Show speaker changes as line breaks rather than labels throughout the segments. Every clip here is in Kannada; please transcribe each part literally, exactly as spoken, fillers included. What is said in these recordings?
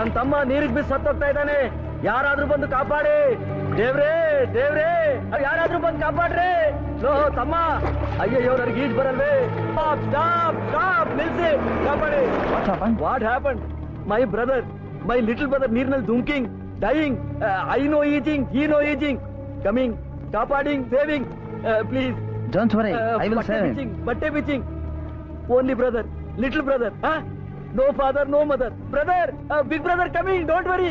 ನನ್ ತಮ್ಮ ನೀರಿಗೆ ಬಿದ್ದು ಸತ್ತೋಗ್ತಾ ಇದ್ದಾನೆ, ಯಾರಾದ್ರೂ ಬಂದು ಕಾಪಾಡಿ. ದೇವ್ರೇ ದೇವ್ರೇ ಯಾರಾದ್ರೂ ಬಂದು ಕಾಪಾಡ್ರಿ. ಲೋ ತಮ್ಮ, ಅಯ್ಯಯ್ಯೋ ನನಗೆ ಈಜ್ ಬರಲ್ವೇ. ಸ್ಟಾಪ್ ಸ್ಟಾಪ್ ಸ್ಟಾಪ್ ನಿಲ್ಸಿ, ಕಾಪಾಡಿ. What happen? My brother, my little brother ನೀರಿನಲ್ಲಿ ಧುಮ್ಕಿಂಗ್, ಡೈಯಿಂಗ್. ಐ ನೋ ಈಜಿಂಗ್, ಹಿ ನೋ ಈಜಿಂಗ್. ಕಮಿಂಗ್, ಕಾಪಾಡಿಂಗ್, saving, please.
Don't worry, I will save him.
ಬಟ್ಟೆ ಬಿಚಿಂಗ್. Only brother, little brother. No father, no mother. Brother, uh, big brother coming, don't worry.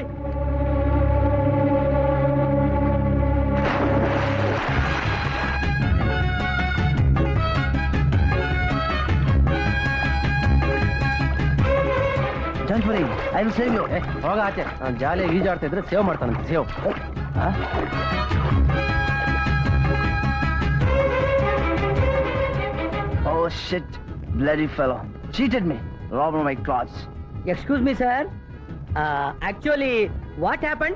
Don't worry, I will save you.
ಹೋಗ ಆಚೆ. ನಾನು ಜಾಲಿಯಾಗಿ ಈಜಾಡ್ತಾ ಇದ್ರೆ ಸೇವ್ ಮಾಡ್ತಾನಂತೆ. Save.
Oh shit, bloody fellow. Cheated me. Robbed my clothes.
Excuse me, sir. Uh, actually, what happened?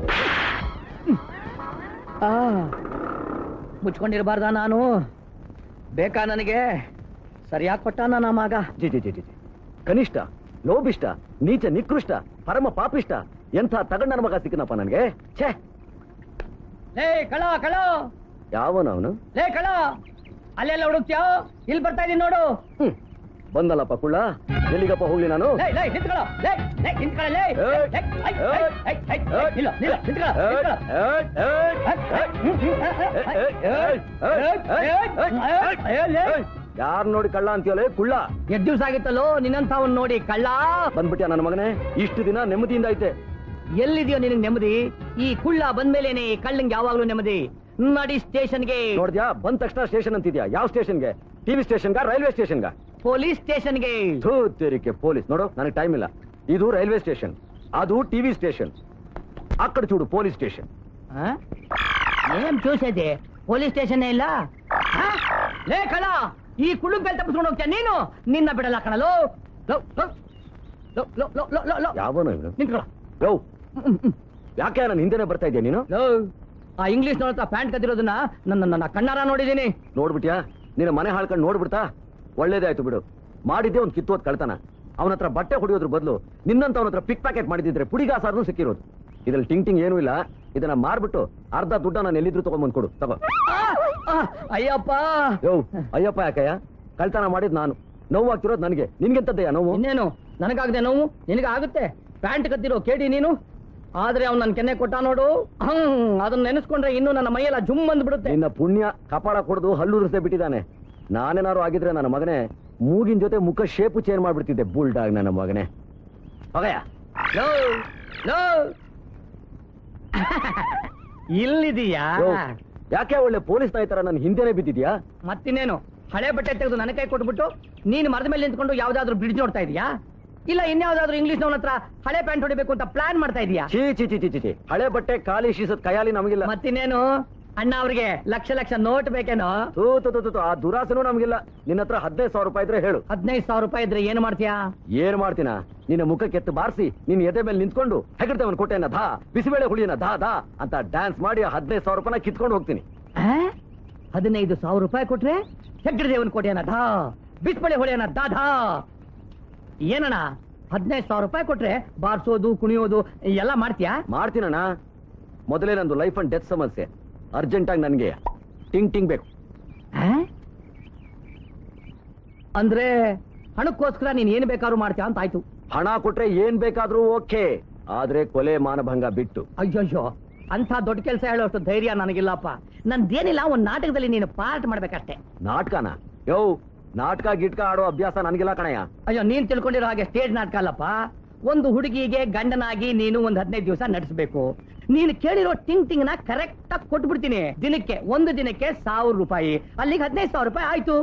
ಮುಚ್ಕೊಂಡಿರಬಾರ್ದ ನಾನು? ಬೇಕಾ ನನಗೆ? ಸರಿಯಾಗಿ ಕೊಟ್ಟ ನನ್ನ ಮಗ.
ಜಿ ಜಿ ಜಿ ಜಿ ಕನಿಷ್ಠ, ಲೋಭಿಷ್ಟ, ನೀಚ, ನಿಕೃಷ್ಟ, ಪರಮ ಪಾಪಿಷ್ಟ, ಎಂಥ ತಗಂಡ ನನ್ನ ಮಗ ಸಿಕ್ಕನಪ್ಪ ನನಗೆ. ಛೇ,
ಲೇ ಕಳ ಕಳ,
ಯಾವನವನು?
ಲೇ ಕಳ, ಅಲ್ಲೆಲ್ಲ ಹುಡುಕ್ತ್ಯೋ? ಇಲ್ಲಿ ಬರ್ತಾ ಇದೀನಿ ನೋಡು.
ಹ್ಮ್, ಬಂದಲ್ಲಪ್ಪ ಕುಳ್ಳ. ಎಲ್ಲಿಗಪ್ಪ ಹೋಗ್ಲಿ ನಾನು?
ಲೇ ಲೇ ನಿಂತ್ಕೊಳ್ಳೋ, ಲೇ ಲೇ ನಿಂತ್ಕೊಳ್ಳೋ, ಲೇ ಲೇ ಐ ಐ ಐ ಐ ನಿಲ್ಲ ನಿಲ್ಲ ನಿಂತ್ಕೊಳ್ಳೋ,
ಯಾರು ನೋಡಿ ಕಳ್ಳ ಅಂತೀಯಲ್ಲ ಕುಳ್ಳ?
ಎಷ್ಟು ದಿವಸ ಆಗಿತ್ತಲ್ಲೋ ನಿನ್ನಂಥವನ್ ನೋಡಿ ಕಳ್ಳ.
ಬಂದ್ಬಿಟ್ಯಾ ನನ್ನ ಮಗನೇ? ಇಷ್ಟು ದಿನ ನೆಮ್ಮದಿಯಿಂದ ಐತೆ.
ಎಲ್ಲಿದೆಯೋ ನಿನಗೆ ನೆಮ್ಮದಿ? ಈ ಕುಳ್ಳ ಬಂದ್ಮೇಲೇನೆ ಕಳ್ಳಂಗೆ ಯಾವಾಗ್ಲೂ ನೆಮ್ಮದಿ. ನಡಿ ಸ್ಟೇಷನ್ಗೆ.
ನೋಡ್ದ್ಯಾ, ಬಂದ ತಕ್ಷಣ ಸ್ಟೇಷನ್ ಅಂತಿದ್ಯಾ? ಯಾವ ಸ್ಟೇಷನ್ಗೆ? ಟಿವಿ ಸ್ಟೇಷನ್ಗ, ರೈಲ್ವೆ ಸ್ಟೇಷನ್ಗ?
ಪೊಲೀಸ್ ಸ್ಟೇಷನ್ಗೆ.
ತೇರಿಕೆ ಪೊಲೀಸ್. ನೋಡು, ನನಗೆ ಟೈಮ್ ಇಲ್ಲ. ಇದು ರೈಲ್ವೆ ಸ್ಟೇಷನ್, ಅದು ಟಿವಿ ಸ್ಟೇಷನ್. ಅక్కడ చూడు ಪೊಲೀಸ್ ಸ್ಟೇಷನ್.
ಏನ್ చూసేది? ಪೊಲೀಸ್ ಸ್ಟೇಷನ್ ಇಲ್ಲ. ಲೇ ಕಳ, ಈ ಕುಳ್ಳು ಮೇಲೆ ತಪ್ಪಿಸ್ಕೊಂಡು ಹೋಗ್ತೀಯ ನೀನು? ನಿನ್ನ ಬಿಡಲ್ಲ ಕಣಲೋ.
ಯಾವನು ಇವನು?
ನಿಂತ್ಕೊಳ್ಳ.
ಯೋ, ಯಾಕೆ ನನ್ನ ಹಿಂದೆನೆ ಬರ್ತಾ ಇದೆಯಾ ನೀನು?
ಆ ಇಂಗ್ಲಿಷ್ ನೋಡ್ತಾ ಪ್ಯಾಂಟ್ ಕದ್ದಿರೋದನ್ನ ನನ್ನ ನನ್ನ ಕಣ್ಣಾರ ನೋಡಿದೀನಿ.
ನೋಡ್ಬಿಟ್ಯಾ? ನಿನ್ನ ಮನೆ ಹಾಳ್ಕೊಂಡು ನೋಡ್ಬಿಡ್ತಾ? ಒಳ್ಳೇದೇ ಆಯ್ತು ಬಿಡು. ಮಾಡಿದ್ದೆ ಒಂದು ಕಿತ್ತೋದ್ ಕಳ್ತನ. ಅವನ ಹತ್ರ ಬಟ್ಟೆ ಹೊಡಿಯೋದ್ರ ಬದಲು ನಿನ್ನಂತ ಅವನ ಹತ್ರ ಪಿಕ್ ಪ್ಯಾಕೆಟ್ ಮಾಡಿದ್ರೆ ಪುಡಿಗಾಸಾದ್ರೂ ಸಿಕ್ಕಿರೋದು. ಇದ್ರಲ್ಲಿ ಟಿಂಗ್ ಟಿಂಗ್ ಏನೂ ಇಲ್ಲ. ಇದನ್ನ ಮಾರ್ಬಿಟ್ಟು ಅರ್ಧ ದುಡ್ಡ ನಾನು ಎಲ್ಲಿದ್ರು ತಗೊಂಡ್ಬಂದ್ ಕೊಡು. ತಗೋ.
ಅಯ್ಯಪ್ಪ.
ಯೋ, ಅಯ್ಯಪ್ಪ ಯಾಕಯ್ಯ? ಕಳ್ತನ ಮಾಡಿದ್ ನಾನು, ನೋವು ಆಗ್ತಿರೋದು ನನಗೆ. ನಿನ್ಗೆಂತದ್ದಯ್ಯ ನೋವು?
ಇನ್ನೇನು ನನಗಾಗದೆ ನೋವು ನಿನಗೆ ಆಗುತ್ತೆ. ಪ್ಯಾಂಟ್ ಕದ್ದಿರೋ ಕೇಳಿ ನೀನು. ಆದ್ರೆ ಅವ್ನು ನನ್ ಕೆನ್ನೆ ಕೊಟ್ಟ ನೋಡು, ಹಂಗ್ ಅದನ್ನ ನೆನೆಸ್ಕೊಂಡ್ರೆ ಇನ್ನು ನನ್ನ ಮೈಯೆಲ್ಲ ಜುಮ್ ಬಂದ್ಬಿಡುತ್ತೆ.
ನಿನ್ನ ಪುಣ್ಯ ಕಪಾಳ ಕೊಡ್ದು ಹಲ್ಲುರಿಸದೆ ಬಿಟ್ಟಿದ್ದಾನೆ. ನಾನೇನಾರು ಆಗಿದ್ರೆ ನನ್ನ ಮಗನೇ ಮೂಗಿನ ಜೊತೆ ಮುಖ ಶೇಪು ಚೇಂಜ್ ಮಾಡ್ಬಿಡ್ತಿದ್ದೆ. ಬುಲ್ಡಾಗ್ ನನ್ನ ಮಗನೇ. ಹೋಗಯ್ಯ.
ಇಲ್ಲಿದೀಯಾ?
ಯಾಕೆ ಒಳ್ಳೆ ಪೊಲೀಸ್ ನಾಯ್ತರ ನನ್ನ ಹಿಂದೆನೆ ಬಿದ್ದಿದ್ಯಾ?
ಮತ್ತಿನ್ನೇನು, ಹಳೆ ಬಟ್ಟೆ ತೆಗೆದು ನನ್ನ ಕೈ ಕೊಟ್ಬಿಟ್ಟು ನೀನು ಮರದ ಮೇಲೆ ನಿಂತ್ಕೊಂಡು ಯಾವ್ದಾದ್ರು ಬ್ರಿಡ್ಜ್ ನೋಡ್ತಾ ಇದೀಯಾ? ಇಲ್ಲ ಇನ್ಯಾವ್ದಾದ್ರು ಇಂಗ್ಲಿಷ್ ನವನ ಹತ್ರ ಹಳೆ ಪ್ಯಾಂಟ್ ಹೊಡಿಬೇಕು ಅಂತ ಪ್ಲಾನ್ ಮಾಡ್ತಾ ಇದೀಯಾ?
ಚೀ ಚಿ ಚಿ ಚಿ ಚಿ ಹಳೆ ಬಟ್ಟೆ ಖಾಲಿ ಶೀಸದ್ ಕೈಯಾಲಿ ನಮಗಿಲ್ಲ.
ಮತ್ತಿನ್ನೇನು, ಅಣ್ಣ ಅವ್ರಿಗೆ ಲಕ್ಷ ಲಕ್ಷ ನೋಟ್ ಬೇಕೇನೋ?
ತೂ ತು ತು ತು ಆ ದುರಾಸೆನೂ ನಮಗಿಲ್ಲ. ನಿನ್ನ ಹತ್ರ ಹದಿನೈದು ಸಾವಿರ ರೂಪಾಯಿ ಇದ್ರೆ ಹೇಳು.
ಹದಿನೈದು ಸಾವಿರ ರೂಪಾಯಿ ಇದ್ರೆ ಏನು ಮಾಡ್ತೀಯಾ?
ಏನ್ ಮಾಡ್ತೀನ? ನಿನ್ನ ಮುಖಕ್ಕೆ ಎತ್ತು ಬಾರಿಸಿ ನಿನ್ನ ಎದೆ ಮೇಲೆ ನಿಂತ್ಕೊಂಡು ಹೆಗಡ್ತವನ್ ಕೊಟ್ಟೆನ ಧಾ, ಬಿಸಿಬೇಳೆ ಹುಳಿಯನ ಧಾ ಧಾ ಅಂತ ಡ್ಯಾನ್ಸ್ ಮಾಡಿ ಹದಿನೈದು ಸಾವಿರ ರೂಪಾಯಿನ ಕಿತ್ಕೊಂಡು ಹೋಗ್ತೀನಿ.
ಹದಿನೈದು ಸಾವಿರ ರೂಪಾಯಿ ಕೊಟ್ರೆ ಹೆಗ್ಗಡದೇವನ್ ಕೋಟೆಯನ ಧಾ, ಬಿಸಿಬೇಳೆ ಹುಳಿಯನ ದಾ ಧಾ. ಏನಣ್ಣ, ಹದಿನೈದು ಸಾವಿರ ರೂಪಾಯಿ ಕೊಟ್ರೆ ಬಾರ್ಸೋದು ಕುಣಿಯೋದು ಎಲ್ಲ ಮಾಡ್ತೀಯಾ?
ಮಾಡ್ತೀನಣ್ಣ. ಮೊದಲೇ ನಂದು ಲೈಫ್ ಅಂಡ್ ಡೆತ್ ಸಮಸ್ಯೆ. ಅರ್ಜೆಂಟ್ ಆಗಿ ನನ್ಗೆ ಟಿಂಗ್ ಟಿಂಗ್ ಬೇಕು.
ಅಂದ್ರೆ ಹಣಕ್ಕೋಸ್ಕರ ನೀನ್ ಏನ್ ಬೇಕಾದ್ರೂ ಮಾಡ್ತೀಯ ಅಂತ ಆಯ್ತು.
ಹಣ ಕೊಟ್ರೆ ಏನ್ ಬೇಕಾದ್ರೂ ಓಕೆ, ಆದ್ರೆ ಕೊಲೆ ಮಾನಭಂಗ ಬಿಟ್ಟು.
ಅಯ್ಯಯ್ಯೋ, ಅಂತ ದೊಡ್ಡ ಕೆಲಸ ಹೇಳೋಷ್ಟು ಧೈರ್ಯ ನನಗಿಲ್ಲಪ್ಪ. ನಂದೇನಿಲ್ಲ, ಒಂದ್ ನಾಟಕದಲ್ಲಿ ನೀನು ಪಾರ್ಟ್ ಮಾಡ್ಬೇಕಷ್ಟೇ.
ನಾಟಕನ? ಯೋ, ನಾಟಕ ಗಿಟ್ಕ ಆಡೋ ಅಭ್ಯಾಸ ನನಗಿಲ್ಲ ಕಣಯ್ಯ.
ಅಯ್ಯೋ, ನೀನ್ ತಿಳ್ಕೊಂಡಿರೋ ಹಾಗೆ ಸ್ಟೇಜ್ ನಾಟಕ ಅಲ್ಲಪ್ಪ. ಒಂದು ಹುಡುಗಿಗೆ ಗಂಡನಾಗಿ ನೀನು ಒಂದ್ ಹದಿನೈದು ದಿವಸ ನಡೆಸಬೇಕು. ನೀನು ಕೇಳಿರೋ ಟಿಂಗ್ ಟಿಂಗ್ ನ ಕರೆಕ್ಟ್ ಆಗಿ ಕೊಟ್ಬಿಡ್ತೀನಿ. ದಿನಕ್ಕೆ ಒಂದು ದಿನಕ್ಕೆ ಸಾವಿರ ರೂಪಾಯಿ, ಅಲ್ಲಿಗೆ ಹದಿನೈದು ಸಾವಿರ ರೂಪಾಯಿ ಆಯ್ತು.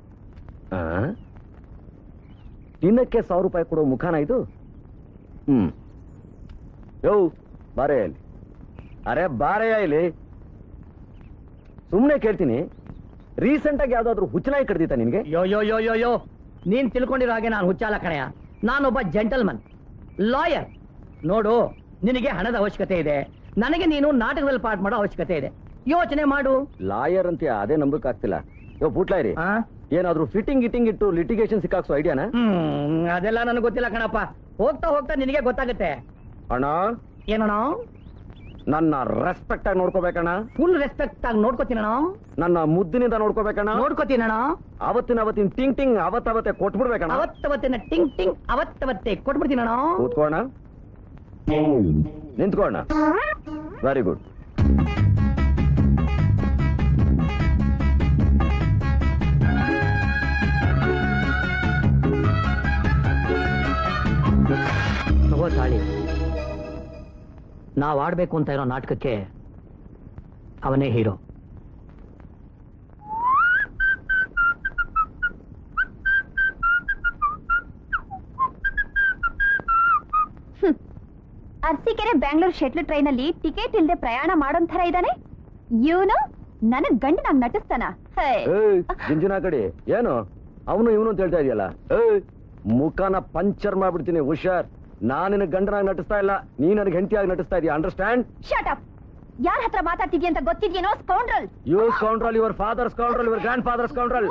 ದಿನಕ್ಕೆ ಸಾವಿರ ರೂಪಾಯಿ ಕೊಡೋ ಮುಖಾನ ಇದು? ಹ್ಮ್. ಯೋ, ಬಾರೇ ಇಲ್ಲಿ. ಅರೆ ಬಾರೆಯ ಇಲ್ಲಿ. ಸುಮ್ನೆ ಕೇಳ್ತೀನಿ, ರೀಸೆಂಟ್ ಆಗಿ ಯಾವ್ದಾದ್ರು ಹುಚ್ಚನಾಯಿ ಕಡ್ದಿತ್ತ ನಿನ್ಗೆ?
ಯೋ ಯೋ ಯೋ ಯೋ ಯೋ ನೀನ್ ತಿಳ್ಕೊಂಡಿರೋ ಹಾಗೆ ನಾನು ಹುಚ್ಚಾಲ ಕಣೆಯ. ನಾನೊಬ್ಬ ಜೆಂಟಲ್ಮನ್, ಲಾಯರ್. ನೋಡು, ನಿನಗೆ ಹಣದ ಅವಶ್ಯಕತೆ ಇದೆ, ನನಗೆ ನೀನು ನಾಟಕದಲ್ಲಿ ಪಾಠ ಮಾಡೋ ಅವಶ್ಯಕತೆ ಇದೆ. ಯೋಚನೆ ಮಾಡು.
ಲಾಯರ್ ಅಂತ ಅದೇ ನಂಬಕ್ ಆಗ್ತಿಲ್ಲ. ಯೋ ಪುಟ್ಲಾಯ್ರಿ, ಏನಾದ್ರು ಫಿಟ್ಟಿಂಗ್ ಗಿಟ್ಟಿಂಗ್ ಇಟ್ಟು ಲಿಟಿಗೇಷನ್ ಸಿಕ್ಕಾಕ್ಸೋ ಐಡಿಯಾನ?
ಹ್ಮ್, ಅದೆಲ್ಲ ನನಗೆ ಗೊತ್ತಿಲ್ಲ ಕಣಪ್ಪ. ಹೋಗ್ತಾ ಹೋಗ್ತಾ ನಿನಗೆ ಗೊತ್ತಾಗುತ್ತೆ.
ಅಣ್ಣ
ಏನಣ್ಣ?
ನನ್ನ ರೆಸ್ಪೆಕ್ಟ್ ಆಗಿ ನೋಡ್ಕೋಬೇಕಣ್ಣ.
ಫುಲ್ ರೆಸ್ಪೆಕ್ಟ್ ಆಗಿ ನೋಡ್ಕೋತೀನಣ್ಣ.
ನನ್ನ ಮುದ್ದಿನಿಂದ ನೋಡ್ಕೋಬೇಕಣ್ಣ.
ನೋಡ್ಕೋತೀನಣ್ಣ.
ಅವತ್ತಿನ ಅವತ್ತಿನ ಟಿಂಗ್ ಟಿಂಗ್ ಅವತ್ತವತ್ತೆ ಕೊಟ್ಬಿಡ್ಬೇಕಣ್ಣ.
ಅವತ್ತವತ್ತಿನ ಟಿಂಗ್ ಟಿಂಗ್ ಅವತ್ತವತ್ತೆ ಕೊಟ್ಬಿಡ್ತೀನಣ್ಣ.
ಕೂತ್ಕೋಣ, ನಿಂತ್ಕೋಣ. Very good.
ತಗೋ ತಾಳಿ. ನಾವ್ ಆಡ್ಬೇಕು ಅಂತ ಇರೋ ನಾಟಕಕ್ಕೆ ಅವನೇ hero.
Arsikere Bangalore shuttle train ಅಲ್ಲಿ ಟಿಕೆಟ್ ಇಲ್ಲದೆ ಪ್ರಯಾಣ ಮಾಡೋನ್ ತರ ಇದ್ದಾನೆ ಇವನು. ನನಗ್ ಗಂಡನಾಗ್ ನಟಿಸ್ತಾನ.
ಜಿಂಜಿನ ಕಡೆ ಏನು ಅವನು ಇವನು ಅಂತ ಹೇಳ್ತಾ ಇದೆಯಲ್ಲ. ಮುಖನ ಪಂಚರ್ ಮಾಡ್ಬಿಡ್ತೀನಿ, ಹುಷಾರ್. ನಾನಿನ ಗಂಡನಾಗಿ ನಟಿಸ್ತಾ ಇಲ್ಲ, ನೀ ನನಗೆ ಹೆಂಡತಿಯಾಗಿ ನಟಿಸ್ತಾ ಇದೀಯ. ಅಂಡರ್ಸ್ಟ್ಯಾಂಡ್?
Shut up. ಯಾರ ಹತ್ರ ಮಾತಾಡ್ತಿದ್ಯ ಅಂತ ಗೊತ್ತಿದ್ಯೇನೋ? Scoundrel.
You scoundrel, your father scoundrel, your grandfather scoundrel.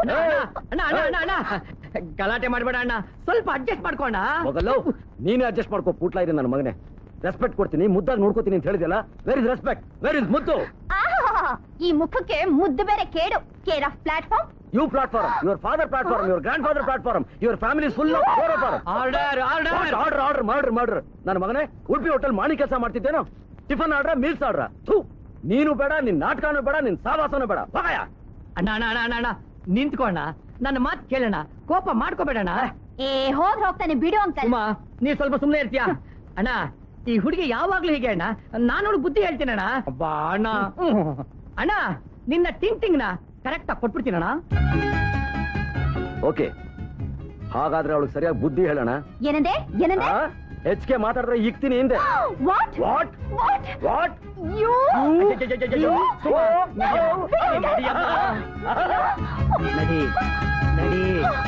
ಗಲಾಟೆ ಮಾಡ್ಬೇಡ ಅಣ್ಣ, ಸ್ವಲ್ಪ ಅಡ್ಜಸ್ಟ್ ಮಾಡ್ಕೋಣ.
ಹೋಗಲ್ಲ, ನೀನೇ ಅಡ್ಜಸ್ಟ್ ಮಾಡ್ಕೋ. ಪುಟ್ಲ ಇದೆ ನನ್ನ ಮಗನೇ. ರೆಸ್ಪೆಕ್ಟ್ ಕೊಡ್ತೀನಿ, ಮುದ್ದಾಗಿ ನೋಡ್ಕೋತೀನಿ ಅಂತ ಹೇಳಿದ್ಯಲ್ಲ. Where is respect? Where is ಮುದ್ದು?
ಈ ಮುಖಕ್ಕೆ ಮುದ್ದು ಬೇರೆ ಕೇಡು. Care of platform.
You platform, your father platform, your grandfather platform, your family full of order
order order
order order ಮಾಡ್ರಿ ಮಾಡ್ರಿ. ನನ್ನ ಮಗನೇ, ಉಡುಪಿ ಹೋಟೆಲ್ ಮಾಣಿ ಕೆಲಸ ಮಾಡ್ತಿದ್ದೇನೋ. Tiffin order, meals order? ನೀನು ಬೇಡ, ನಿನ್ ನಾಟಕನೂ ಬೇಡ, ನಿನ್ ಸಾವಾಸನೂ ಬೇಡ. ಹೋಗಯ್ಯ.
ಅಣ್ಣ ಅಣ್ಣ ಅಣ್ಣ ಅಣ್ಣ ಅಣ್ಣ ನಿಂತ್ಕೋಣ, ನನ್ನ ಮಾತು ಕೇಳೋಣ, ಕೋಪ ಮಾಡ್ಕೋಬೇಡಣ್ಣ.
ಏ ಹೋಗ್ ಹೋಗ್ತಾನೆ ಬಿಡು ಅಂಕಲ್.
ಸುಮ್ಮ, ನೀ ಸ್ವಲ್ಪ ಸುಮ್ಮನೆ ಇರ್ತೀಯ? ಅಣ್ಣ, ಈ ಹುಡುಗಿ ಯಾವಾಗ್ಲೂ ಹೀಗೆ ಅಣ್ಣ. ನಾನು ಬುದ್ಧಿ ಹೇಳ್ತೀನಿ ಅಣ್ಣ. ಅಬ್ಬಾ ಅಣ್ಣ. ಅಣ್ಣ, ನಿನ್ನ ಟಿಂಗ್ ಟಿಂಗ್ ನ ಕರೆಕ್ಟ್ ಆಗಿ ಕೊಟ್ಬಿಡ್ತೀನಣ್ಣ.
ಓಕೆ, ಹಾಗಾದ್ರೆ ಅವಳಿಗೆ ಸರಿಯಾಗಿ ಬುದ್ಧಿ ಹೇಳೋಣ.
ಏನಂದೆ ಏನಂದೆ?
ಹೆಚ್ಚಿಗೆ ಮಾತಾಡಿದ್ರೆ ಇಕ್ತೀನಿ ಹಿಂದೆ.
What
what
what
what
you
ನಡಿ ನಡಿ.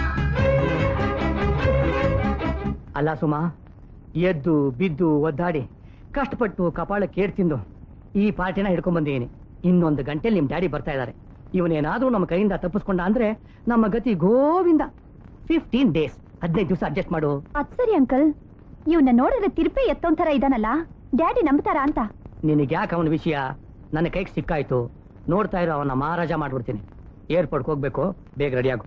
ಅಲ್ಲ ಸುಮಾ, ಎದ್ದು ಬಿದ್ದು ಒದ್ದಾಡಿ ಕಷ್ಟಪಟ್ಟು ಕಪಾಳಕ್ಕೆ ಏರ್ ತಿಂದು ಈ ಪಾರ್ಟಿನ ಹಿಡ್ಕೊಂಡ್ ಬಂದಿದ್ದೀನಿ. ಇನ್ನೊಂದು ಗಂಟೆಲಿ ನಿಮ್ ಡ್ಯಾಡಿ ಬರ್ತಾ ಇದ್ದಾರೆ. ಇವನೇನಾದ್ರೂ ನಮ್ಮ ಕೈಯಿಂದ ತಪ್ಪಿಸ್ಕೊಂಡ ಅಂದ್ರೆ ನಮ್ಮ ಗತಿ ಗೋವಿಂದ. ಫಿಫ್ಟೀನ್ ಡೇಸ್, ಹದಿನೈದು ದಿವಸ ಅಡ್ಜಸ್ಟ್ ಮಾಡು.
ಅದ್ ಸರಿ ಅಂಕಲ್, ಇವನ್ನ ನೋಡಿದ್ರೆ ತಿರುಪಿ ಎತ್ತೊಂಥರ ಇದಾನಲ್ಲ, ಡ್ಯಾಡಿ ನಂಬ್ತಾರ ಅಂತ.
ನಿನಗ್ಯಾಕೆ ಅವನ ವಿಷಯ? ನನ್ನ ಕೈಗೆ ಸಿಕ್ಕಾಯ್ತು. ನೋಡ್ತಾ ಇರೋ ಅವನ ಮಹಾರಾಜ ಮಾಡ್ಬಿಡ್ತೀನಿ. ಏರ್ಪೋರ್ಟ್ಗೆ ಹೋಗ್ಬೇಕು, ಬೇಗ ರೆಡಿ ಆಗು.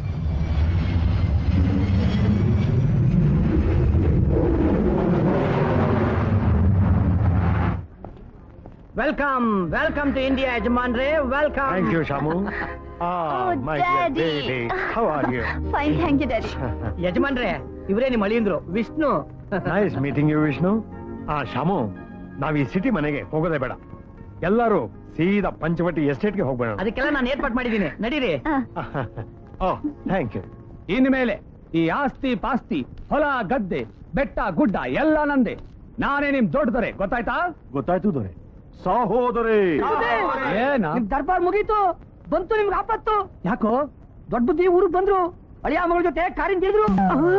ವೆಲ್ಕಮ್ ವೆಲ್ಕಮ್ ಟು ಇಂಡಿಯಾ ಯಜಮಾನ್ರೆ, welcome.
Thank you, Shamu. Ah,
Oh,
my
Daddy.
dear baby. How are you?
Fine, thank you daddy.
ಯಜಮಾನ್ರೆ, ಇವರೇ ನಿಮ್ಮ ಅಳಿಯಂದ್ರು, Vishnu.
Nice meeting you, Vishnu. Ah, Shamu, ನಾವ್ ಈ ಸಿಟಿ ಮನೆಗೆ ಹೋಗೋದೇ ಬೇಡ. ಎಲ್ಲರೂ ಸೀದಾ ಪಂಚವಟಿ ಎಸ್ಟೇಟ್ಗೆ ಹೋಗ್ಬೇಡ.
ಅದಕ್ಕೆಲ್ಲ ನಾನು ಏರ್ಪಾಟ್ ಮಾಡಿದ್ದೀನಿ, ನಡೀರಿ.
Oh, thank you.
ಇನ್ಮೇಲೆ ಈ ಆಸ್ತಿ ಪಾಸ್ತಿ, ಹೊಲ ಗದ್ದೆ, ಬೆಟ್ಟ ಗುಡ್ಡ ಎಲ್ಲ ನಂದೆ. ನಾನೇ ನಿಮ್ ದೊಡ್ಡದರೆ, ಗೊತ್ತಾಯ್ತಾ?
ಗೊತ್ತಾಯ್ತು ದೊರೆ. ಸಹೋದರಿ.
ಏನ
ನಿಮ್ ದರ್ಬಾರ್ ಮುಗೀತು, ಬಂತು ನಿಮ್ಗೆ ಆಪತ್ತು.
ಯಾಕೋ?
ದೊಡ್ಡ ಬುದ್ಧಿ ಊರಿಗೆ ಬಂದ್ರು, ಅಳಿಯ ಮಗಳ ಜೊತೆ ಕಾರಿನ ತಿಳಿದ್ರು.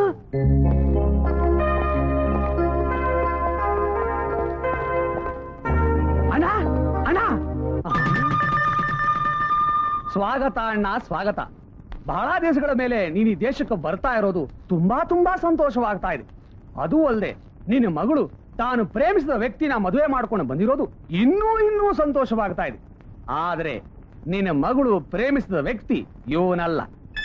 ಅಣ್ಣ ಅಣ್ಣ, ಸ್ವಾಗತ ಅಣ್ಣ, ಸ್ವಾಗತ. ಬಹಳ ದೇಶಗಳ ಮೇಲೆ ನೀನ್ ಈ ದೇಶಕ್ಕೆ ಬರ್ತಾ ಇರೋದು ತುಂಬಾ ತುಂಬಾ ಸಂತೋಷವಾಗ್ತಾ ಇದೆ. ಅದೂ ಅಲ್ಲದೆ ನಿನ್ನ ಮಗಳು ತಾನು ಪ್ರೇಮಿಸಿದ ವ್ಯಕ್ತಿನ ಮದುವೆ ಮಾಡ್ಕೊಂಡು ಬಂದಿರೋದು ಇನ್ನೂ ಇನ್ನೂ ಸಂತೋಷವಾಗ್ತಾ ಇದೆ. ಆದ್ರೆ ನಿನ್ನ ಮಗಳು ಪ್ರೇಮಿಸಿದ ವ್ಯಕ್ತಿ ಇವನಲ್ಲ.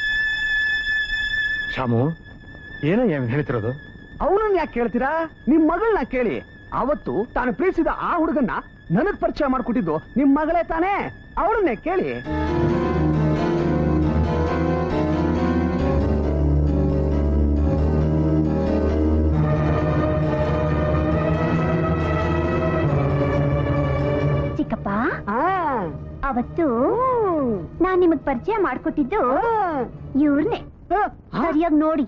ಶಾಮು, ಏನಯ್ಯ ಹೇಳ್ತಿರೋದು?
ಅವನನ್ನ ಯಾಕೆ ಕೇಳ್ತೀರಾ? ನಿಮ್ ಮಗಳನ್ನ ಕೇಳಿ. ಅವತ್ತು ತಾನು ಪ್ರೀತಿಸಿದ ಆ ಹುಡುಗನ್ನ ನನಗ್ ಪರಿಚಯ ಮಾಡ್ಕೊಟ್ಟಿದ್ದು ನಿಮ್ ಮಗಳೇ ತಾನೇ, ಅವಳನ್ನೇ ಕೇಳಿ.
ಚಿಕ್ಕಪ್ಪ, ಅವತ್ತು ನಾನ್ ನಿಮಗ್ ಪರಿಚಯ ಮಾಡ್ಕೊಟ್ಟಿದ್ದು ಇವ್ರನ್ನೇ. ಸರಿಯಾಗಿ ನೋಡಿ.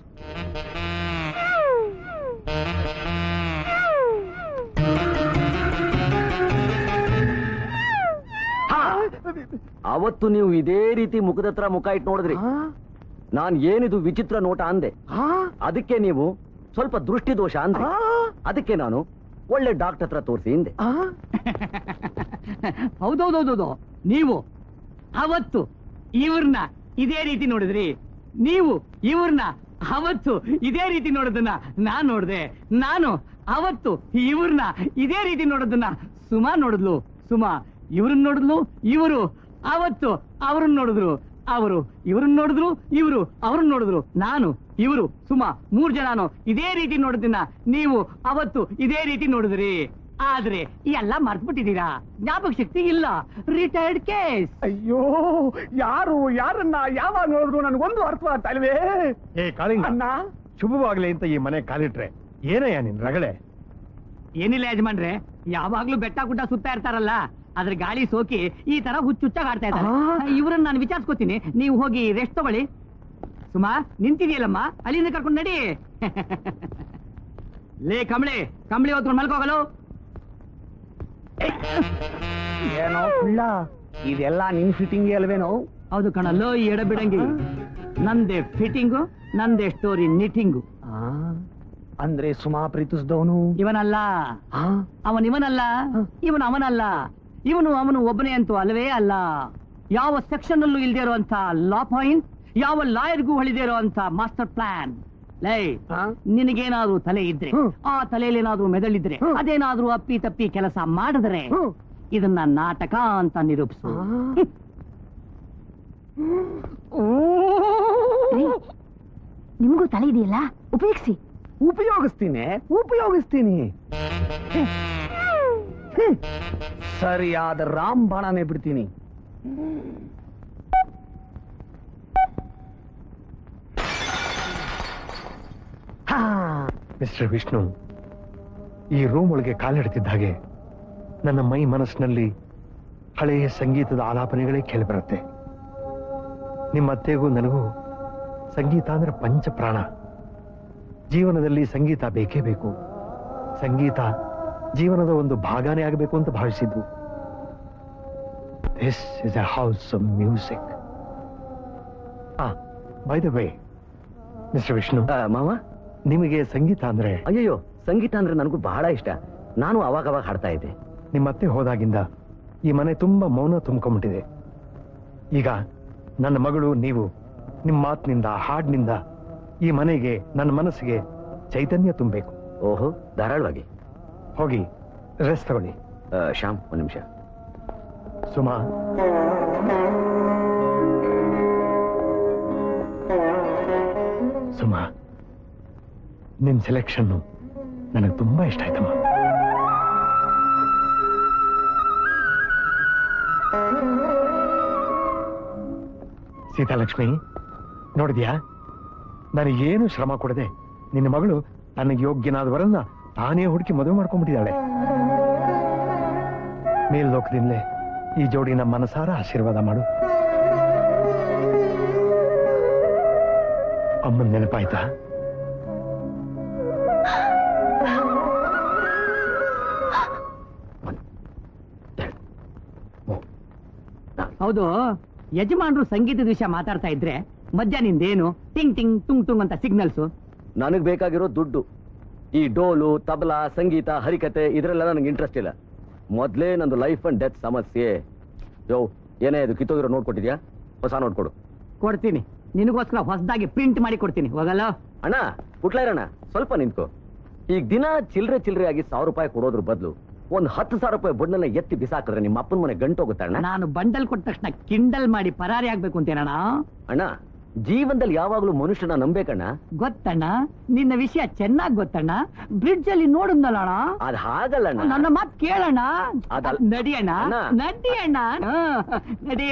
ಅವತ್ತು ನೀವು ಇದೇ ರೀತಿ ಮುಖದ ಹತ್ರ ಮುಖ ಇಟ್ಟು ನೋಡಿದ್ರಿ. ನಾನ್ ಏನಿದು ವಿಚಿತ್ರ ನೋಟ ಅಂದೆ, ಅದಕ್ಕೆ ನೀವು ಸ್ವಲ್ಪ ದೃಷ್ಟಿ ದೋಷ ಅಂದ್ರೆ. ಅದಕ್ಕೆ ನಾನು ಒಳ್ಳೆ ಡಾಕ್ಟರ್ ಹತ್ರ ತೋರಿಸಿ ಹಿಂದೆ.
ಹೌದೌದೌದು, ನೀವು ಅವತ್ತು ಇವ್ರನ್ನ ಇದೇ ರೀತಿ ನೋಡಿದ್ರಿ. ನೀವು ಇವ್ರನ್ನ ಅವತ್ತು ಇದೇ ರೀತಿ ನೋಡೋದನ್ನ ನಾನ್ ನೋಡ್ದೆ. ನಾನು ಅವತ್ತು ಇವ್ರನ್ನ ಇದೇ ರೀತಿ ನೋಡೋದನ್ನ ಸುಮಾ ನೋಡಿದ್ಲು. ಸುಮಾ ಇವ್ರನ್ನ ನೋಡಿದ್ಲು. ಇವರು ಅವತ್ತು ಅವ್ರನ್ನ ನೋಡಿದ್ರು. ಅವರು ಇವ್ರನ್ನ ನೋಡಿದ್ರು. ಇವರು ಅವ್ರನ್ನ ನೋಡಿದ್ರು. ನಾನು ಇವರು ಸುಮಾ ಮೂರ್ ಜನನು ಇದೇ ರೀತಿ ನೋಡೋದನ್ನ ನೀವು ಅವತ್ತು ಇದೇ ರೀತಿ ನೋಡಿದ್ರಿ. ಆದ್ರೆ ಎಲ್ಲ ಮರ್ತ್ಬಿಟ್ಟಿದ್ದೀರಾ. ಜ್ಞಾಪಕ ಶಕ್ತಿ ಇಲ್ಲ. Retired case.
ಅಯ್ಯೋ, ಯಾರು ಯಾರನ್ನ ಯಾವಾಗ ನೋಡಿದ್ರು ನನಗೊಂದು ಅರ್ಥ ಆಗ್ತಾ ಇಲ್ವೇ.
ಏ ಕಾಳಿಂಗ,
ಅಣ್ಣ,
ಶುಭವಾಗ್ಲಿ ಅಂತ ಈ ಮನೆ ಕಾಲಿಟ್ರೆ ಏನಯ್ಯ ನಿನ್ ರಗಳೆ?
ಏನಿಲ್ಲ ಯಜಮಾನ್ರೆ, ಯಾವಾಗ್ಲೂ ಬೆಟ್ಟ ಗುಡ್ಡ ಸುತ್ತಾ ಇರ್ತಾರಲ್ಲ, ಅದ್ರ ಗಾಳಿ ಸೋಕಿ ಈ ತರ ಹುಚ್ಚುಚ್ಚಾಗಿ ಆಡ್ತಾ ಇದ್ದಾರೆ. ಇವ್ರನ್ನ ನಾನು ವಿಚಾರಿಸ್ಕೊತೀನಿ, ನೀವು ಹೋಗಿ ರೆಸ್ಟ್ ತಗೊಳ್ಳಿ. ಸುಮಾ ನಿಂತಿದೆಯಲ್ಲಮ್ಮ, ಅಲ್ಲಿಂದ ಕರ್ಕೊಂಡು ನಡಿ. ಲೇ ಕಂಬಳಿ, ಕಂಬಳಿ ಹೊತ್ಕೊಂಡು ಮಲ್ಕೋಗಲು.
ಏನೋ ಕುಳ್ಳ, ಇದೆಲ್ಲ ನಿನ್ ಫಿಟ್ಟಿಂಗ್ ಅಲ್ವೇನೋ?
ಹೌದು ಕಣಲ್ಲೋ ಈ ಎಡಬಿಡಂಗಿ. ನಂದೇ ಫಿಟ್ಟಿಂಗು, ನಂದೇ ಸ್ಟೋರಿ ನಿಟಿಂಗು.
ಆ, ಅಂದ್ರೆ ಸುಮಾ ಪ್ರೀತಿಸಿದವನು
ಇವನಲ್ಲ, ಅವನ್ ಇವನಲ್ಲ, ಇವನು ಅವನಲ್ಲ. ಇವನು ಅವನು ಒಬ್ಬನೇ ಅಂತೂ ಅಲ್ವೇ ಅಲ್ಲ. ಯಾವ ಸೆಕ್ಷನ್ ಅಲ್ಲೂ ಇಲ್ದೇ ಇರುವಂತ ಲಾ ಪಾಯಿಂಟ್, ಯಾವ ಲಾಯರ್ಗೂ ಹೊಳಿದೇ ಇರುವಂತ ಮಾಸ್ಟರ್ ಪ್ಲಾನ್. ಲೈ, ನಿನಗೇನಾದ್ರೂ ತಲೆ ಇದ್ರೆ, ಆ ತಲೆಯಲ್ಲಿ ಏನಾದ್ರೂ ಮೆದಳಿದ್ರೆ, ಅದೇನಾದ್ರೂ ಅಪ್ಪಿ ತಪ್ಪಿ ಕೆಲಸ ಮಾಡಿದ್ರೆ ಇದನ್ನ ನಾಟಕ ಅಂತ ನಿರೂಪಿಸು.
ನಿಮ್ಗೂ ತಲೆ ಇದೆಯಲ್ಲ, ಉಪಯೋಗಿಸಿ.
ಉಪಯೋಗಿಸ್ತೀನಿ ಉಪಯೋಗಿಸ್ತೀನಿ ಸರಿಯಾದ ರಾಂಬಾಣನೆ ಬಿಡ್ತೀನಿ.
ಮಿಸ್ಟರ್ ವಿಷ್ಣು, ಈ ರೂಮ್ ಒಳಗೆ ಕಾಲಿಡ್ತಿದ್ದ ಹಾಗೆ ನನ್ನ ಮೈ ಮನಸ್ಸಿನಲ್ಲಿ ಹಳೆಯ ಸಂಗೀತದ ಆಲಾಪನೆಗಳೇ ಕೇಳಿಬರುತ್ತೆ. ನಿಮ್ಮ ಅತ್ತೆಗೂ ನನಗೂ ಸಂಗೀತ ಅಂದ್ರೆ ಪಂಚ ಪ್ರಾಣ. ಜೀವನದಲ್ಲಿ ಸಂಗೀತ ಬೇಕೇ ಬೇಕು. ಸಂಗೀತ ಜೀವನದ ಒಂದು ಭಾಗನೇ ಆಗಬೇಕು ಅಂತ ಭಾವಿಸಿದ್ದು. This is a house of music. By the way mister Vishnu,
ಮಾವ,
ನಿಮಗೆ ಸಂಗೀತ ಅಂದ್ರೆ?
ಅಯ್ಯಯ್ಯೋ, ಸಂಗೀತ ಅಂದ್ರೆ ನನಗೂ ಬಹಳ ಇಷ್ಟ. ನಾನು ಅವಾಗ ಅವಾಗ ಹಾಡ್ತಾ ಇದ್ದೆ.
ನಿಮ್ಮ ಅತ್ತೆ ಹೋದಾಗಿಂದ ಈ ಮನೆ ತುಂಬಾ ಮೌನ ತುಂಬ್ಕೊಂಡ್ಬಿಟ್ಟಿದೆ. ಈಗ ನನ್ನ ಮಗಳು ನೀವು ನಿಮ್ಮ ಮಾತಿನಿಂದ, ಹಾಡಿನಿಂದ ಈ ಮನೆಗೆ, ನನ್ನ ಮನಸ್ಸಿಗೆ ಚೈತನ್ಯ ತುಂಬಬೇಕು.
ಓಹೋ, ಧಾರಾಳವಾಗಿ.
ಹೋಗಿ ರೆಸ್ಟ್ ತಗೊಳ್ಳಿ.
ಶ್ಯಾಮ್, ಒಂದು ನಿಮಿಷ.
ಸುಮಾ, ಸುಮಾ, ನಿಮ್ ಸೆಲೆಕ್ಷನ್ ನನಗೆ ತುಂಬಾ ಇಷ್ಟ ಆಯ್ತಮ್ಮ. ಸೀತಾಲಕ್ಷ್ಮಿ, ನೋಡಿದ್ಯಾ, ನನಗೇನು ಶ್ರಮ ಕೊಡದೆ ನಿನ್ನ ಮಗಳು ನನಗೆ ಯೋಗ್ಯನಾದವರನ್ನ ತಾನೇ ಹುಡುಕಿ ಮದುವೆ ಮಾಡ್ಕೊಂಡ್ಬಿಟ್ಟಿದ್ದಾಳೆ. ಮೇಲ್ಲೋಕದಿಂದಲೇ ಈ ಜೋಡಿನ ಮನಸಾರ ಆಶೀರ್ವಾದ ಮಾಡು. ಅಮ್ಮನ ನೆನಪಾಯ್ತಾ?
ಹೌದು, ಯಜಮಾನ್ರು ಸಂಗೀತದ ವಿಷಯ ಮಾತಾಡ್ತಾ ಇದ್ರೆ ಮಧ್ಯ ನಿಂದೇನು ಟಿಂಗ್ ಟಿಂಗ್ ಟುಂಗ್ ಟುಂಗ್ ಅಂತ ಸಿಗ್ನಲ್ಸು?
ನನಗ್ ಬೇಕಾಗಿರೋ ದುಡ್ಡು. ಈ ಡೋಲು, ತಬಲಾ, ಸಂಗೀತ, ಹರಿಕತೆ ಇದ್ರೆಲ್ಲ ನನಗೆ ಇಂಟ್ರೆಸ್ಟ್ ಇಲ್ಲ. ಮೊದ್ಲೇ ನಂದು ಲೈಫ್ ಅಂಡ್ ಡೆತ್ ಸಮಸ್ಯೆ. ಯೋ, ಏನೇ ಇದು ಕಿತ್ತೋಗಿರೋ ನೋಡ್ಕೊಟ್ಟಿದ್ಯಾ? ಹೊಸ ನೋಡ್ಕೊಡು.
ಕೊಡ್ತೀನಿ, ನಿನಗೋಸ್ಕರ ಹೊಸದಾಗಿ ಪ್ರಿಂಟ್ ಮಾಡಿ ಕೊಡ್ತೀನಿ. ಹೋಗಲ್ಲ
ಅಣ್ಣ, ಪುಟ್ಲಾಯ್ರಣ್ಣ, ಸ್ವಲ್ಪ ನಿಂತ್ಕೋ. ಈಗ ದಿನ ಚಿಲ್ರೆ ಚಿಲ್ರೆ ಆಗಿ ಸಾವಿರ ರೂಪಾಯಿ ಕೊಡೋದ್ರ ಬದಲು ಒಂದ್ ಹತ್ತು ಸಾವಿರ ರೂಪಾಯಿ ಬಣ್ಣನ ಎತ್ತಿ ಬಿಸಾಕಿದ್ರೆ ನಿಮ್ಮ ಅಪ್ಪನ ಮನೆ ಗಂಟೋಗುತ್ತಣ್ಣ.
ನಾನು ಬಂಡಲ್ ಕೊಟ್ಟ ತಕ್ಷಣ ಕಿಂಡಲ್ ಮಾಡಿ ಪರಾರಿ ಆಗ್ಬೇಕು ಅಂತೇನಣ್ಣ?
ಅಣ್ಣ, ಜೀವನದಲ್ಲಿ ಯಾವಾಗ್ಲೂ ಮನುಷ್ಯನ ನಂಬೇಕಣ್ಣ.
ಗೊತ್ತಣ್ಣ, ನಿನ್ನ ವಿಷಯ ಚೆನ್ನಾಗ್ ಗೊತ್ತಣ್ಣ. ಬ್ರಿಡ್ಜ್ ಅಲ್ಲಿ ನೋಡಿದ್ನಲ್ಲ ಅಣ್ಣ.
ಅದ್ ಹಾಗಲ್ಲಣ್ಣ.
ನನ್ನ ಮಾತ್ ಕೇಳಣ್ಣ.
ಅದಲ್ಲ.
ನಡಿಯಣ್ಣ,
ಅಣ್ಣ.
ನಡಿಯಣ್ಣ, ಹ, ನಡಿ.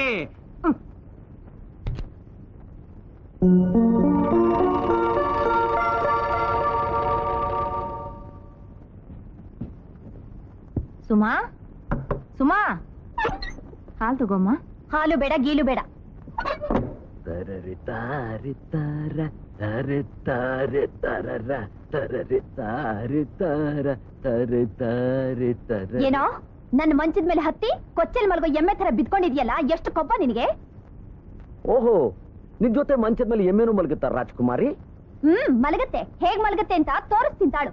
ಸುಮಾ, ಸುಮಾ, ಹಾಲು ತಗೋಮ್ಮ. ಹಾಲು ಬೇಡ, ಗೀಲು ಬೇಡ.
ತರರಿ ತಾರಿ ತಾರ ತರಿ ತಾರಿ ತರರ ತರರಿ ತಾರಿ ತಾರ ತರಿ ತಾರಿ ತರ.
ಏನೋ ನನ್ನ ಮಂಚದ ಮೇಲೆ ಹತ್ತಿ ಕೊಚ್ಚಲ್ ಮಲ್ಗೋ ಎಮ್ಮೆ ತರ ಬಿದ್ಕೊಂಡಿದ್ಯಲ್ಲ, ಎಷ್ಟು ಕೊಬ್ಬ ನಿನಗೆ?
ಓಹೋ, ನಿನ್ ಜೊತೆ ಮಂಚದ ಮೇಲೆ ಎಮ್ಮೆನೂ ಮಲಗುತ್ತಾರ ರಾಜ್ಕುಮಾರಿ?
ಹ್ಮ್, ಮಲಗತ್ತೆ. ಹೇಗ್ ಮಲಗತ್ತೆ ಅಂತ ತೋರಿಸ್ತೀನಿ ತಾಳು.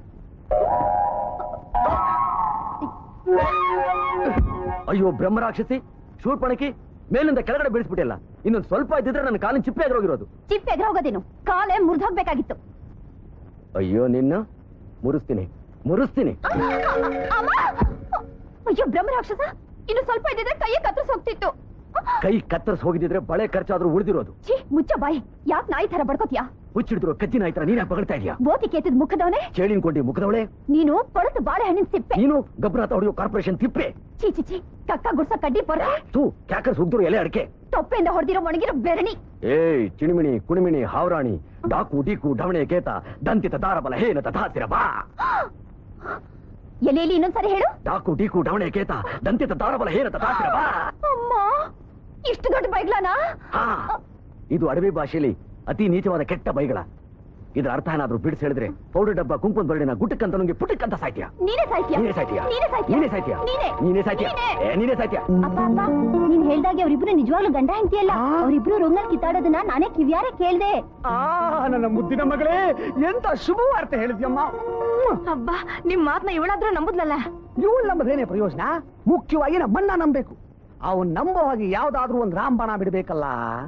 ಅಯ್ಯೋ ಬ್ರಹ್ಮರಾಕ್ಷಸಿ, ಶೂರ್ಪಣಕಿ, ಮೇಲಿಂದ ಕೆಳಗಡೆ ಬೀಳಿಸ್ಬಿಟ್ಟಿಲ್ಲ. ಇನ್ನೊಂದು ಸ್ವಲ್ಪ ಇದ್ದಿದ್ರೆ ನನ್ನ ಕಾಲಿನ ಚಿಪ್ಪೆ ಎದುರೋಗಿರೋದು.
ಚಿಪ್ ಎದುರೋಗೋದೇನು, ಕಾಲೇ ಮುರಿದೋಗ್ಬೇಕಾಗಿತ್ತು.
ಅಯ್ಯೋ ನಿನ್ನ ಮುರಿಸ್ತೀನಿ ಮುರಿಸ್ತೀನಿ.
ಅಮ್ಮ! ಅಯ್ಯೋ ಬ್ರಹ್ಮ ರಾಕ್ಷಸ, ಇನ್ನು ಸ್ವಲ್ಪ ಇದ್ದಿದ್ರೆ ಕೈಯ ಕತ್ತರಿಸ್ ಹೋಗ್ತಿತ್ತು.
ಕೈ ಕತ್ತರಿಸ್ ಹೋಗಿದ್ರೆ ಬಳೆ ಖರ್ಚಾದ್ರೂ ಉಳಿದಿರೋದು.
ಛೀ, ಮುಚ್ಚ ಬಾಯಿ. ಯಾಕೆ ನಾಯಿ ತರ ಬಡ್ಕೋತಿಯಾ?
ಹುಚ್ಚಿಡಿದ್ರು ಕಜ್ಜಿನ ಆಯ್ತರ ನೀನ್ ಬಗಳ್ತಾ ಇದೀಯಾ?
ಬೋತಿ ಕೇತಿದ್ ಮುಖದವನೇ
ಚೇಳಿನ್ಕೊಂಡಿ ಮುಖದವಳೆ
ನೀನು. ಕೊಳತು ಬಾಳೆಹಣ್ಣಿನ ಸಿಪ್ಪೆ
ನೀನು. ಗಬ್ರಾತ ಹೊಡೆಯೋ ಕಾರ್ಪೊರೇಷನ್ ತಿಪ್ಪೆ.
ಚೀ ಚಿ ಚಿ, ಕಕ್ಕ ಗುಡ್ಸ ಕಡ್ಡಿ ಪೊರ್ರೆ.
ತೂ ಕ್ಯಾಕರ್ಸ್ ಹುಗ್ದ್ರು ಎಲೆ ಅಡಿಕೆ.
ತೊಪ್ಪೆಯಿಂದ ಹೊಡೆದಿರೋ ಒಣಗಿರೋ ಬೆರಣಿ.
ಏಯ್ ಚಿಣಿಮಿಣಿ ಕುಣಿಮಿಣಿ ಹಾವರಾಣಿ ಡಾಕು ಡೀಕು ಢವಣೆ ಕೇತ ದಂತಿತ ದಾರಬಲ ಹೇನ ತಥಾಸಿರ ಬಾ.
ಎಲೆಯಲ್ಲಿ ಇನ್ನೊಂದ್ಸರಿ ಹೇಳು.
ಡಾಕು ಡೀಕು ಢವಣೆ ಕೇತ ದಂತಿತ ದಾರಬಲ ಹೇನ ತಥಾಸಿರ ಬಾ.
ಅಮ್ಮ, ಇಷ್ಟು ದೊಡ್ಡ ಬೈಗ್ಲಾನಾ?
ಹಾ, ಇದು ಅಡವಿ ಭಾಷೆಯಲ್ಲಿ ಅತಿ ನೀಚವಾದ ಕೆಟ್ಟ ಬೈಗಳ. ಇದ್ರ ಅರ್ಥ ಏನಾದ್ರೂ ಬಿಡಿಸಿ ಹೇಳಿದ್ರೆ ಪೌಡರ್ ಡಬ್ಬ ಕುಂಕುಮ ಬರಡಿನ ಗುಟ್ಟಕ್ಕಂತ ನಂಗೆ ಪುಟ್ಟಕ್ಕಂತ ಸಾಯ್ತೀಯ.
ನೀನೇ ಸಾಯ್ತೀಯ.
ನೀನೇ ಸಾಯ್ತೀಯ.
ನೀನೇ ಸಾಯ್ತೀಯ.
ನೀನೇ ಸಾಯ್ತೀಯ.
ನೀನೇ.
ನೀನೇ ಸಾಯ್ತೀಯ. ಏ, ನೀನೇ ಸಾಯ್ತೀಯ.
ಅಪ್ಪ ಅಪ್ಪ, ನೀನ್ ಹೇಳ್ದಾಗೆ ಅವ್ರಿಬ್ರು ನಿಜವಾಗ್ಲೂ ಗಂಡ ಹೆಂಡತಿಯಲ್ಲ. ಅವ್ರಿಬ್ರು ರೂಮ್ನಲ್ಲಿ ಕಿತ್ತಾಡೋದನ್ನ ನಾನೇ ಕಿವಿಯಾರೆ ಕೇಳ್ದೆ.
ಆ ನನ್ನ ಮುದ್ದಿನ ಮಗಳೇ, ಎಂತ ಶುಭ ವಾರ್ತೆ ಹೇಳಿದ್ಯಮ್ಮ.
ಅಬ್ಬಾ, ನಿಮ್ ಮಾತ್ನ ಇವಳಾದ್ರೂ ನಂಬುದ್ಲಲ್ಲ.
ಇವಳು ನಂಬದೇನೆ ಪ್ರಯೋಜನ. ಮುಖ್ಯವಾಗಿ ನಮ್ಮನ್ನ ನಂಬೇಕು. ಅವನ್ ನಂಬೋ ಹಾಗೆ ಯಾವ್ದಾದ್ರೂ ಒಂದ್ ರಾಂಬಾಣ ಬಿಡ್ಬೇಕಲ್ಲ.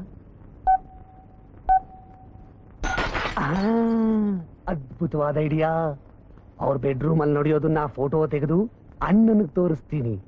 ಆ, ಅದ್ಭುತವಾದ ಐಡಿಯಾ. ಅವ್ರ ಬೆಡ್ರೂಮ್ ಅಲ್ಲಿ ನಡೆಯೋದನ್ನ ಫೋಟೋ ತೆಗೆದು ಅಣ್ಣನಿಗೆ ತೋರಿಸ್ತೀನಿ.